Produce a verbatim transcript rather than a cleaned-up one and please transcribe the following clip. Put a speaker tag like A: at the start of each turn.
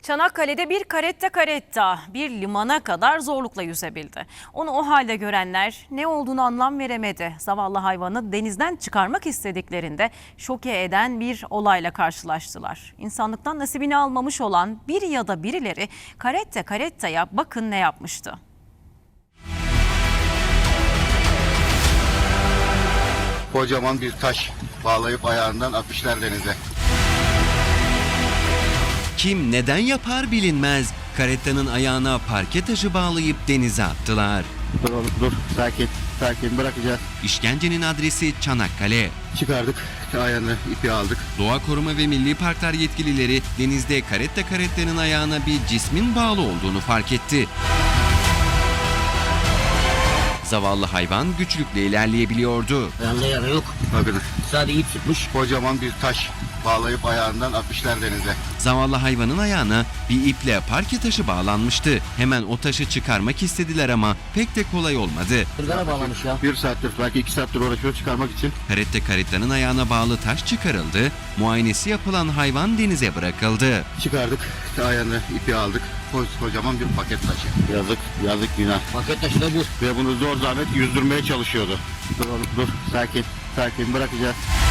A: Çanakkale'de bir karetta karetta bir limana kadar zorlukla yüzebildi. Onu o halde görenler ne olduğunu anlam veremedi. Zavallı hayvanı denizden çıkarmak istediklerinde şoke eden bir olayla karşılaştılar. İnsanlıktan nasibini almamış olan bir ya da birileri karetta karettaya bakın ne yapmıştı.
B: Kocaman bir taş bağlayıp ayağından atmışlar denize.
C: Kim neden yapar bilinmez. Karettanın ayağına parke taşı bağlayıp denize attılar.
B: Dur oğlum dur, sakin sakin, bırakacağız.
C: İşkencenin adresi Çanakkale.
B: Çıkardık, ayağını ipi aldık.
C: Doğa Koruma ve Milli Parklar yetkilileri denizde karetta karettanın ayağına bir cismin bağlı olduğunu fark etti. Zavallı hayvan güçlükle ilerleyebiliyordu.
D: Ayağında yara yok.
B: Bakın,
D: Sadece ip tutmuş.
B: kocaman bir taş bağlayıp ayağından atmışlar denize.
C: Zavallı hayvanın ayağına bir iple parke taşı bağlanmıştı. Hemen o taşı çıkarmak istediler ama pek de kolay olmadı.
D: Kırgana bağlamış ya.
B: Bir saattir, belki iki saattir uğraşıyor çıkarmak için.
C: Karetta karettanın ayağına bağlı taş çıkarıldı. Muayenesi yapılan hayvan denize bırakıldı.
B: Çıkardık, ayağını ipi aldık. Kocaman bir paket taşı. Yazık, yazık günah.
D: Paket taşı da bu.
B: Ve bunu zor zahmet yüzdürmeye çalışıyordu. Dur oğlum dur, sakin sakin, bırakacağız.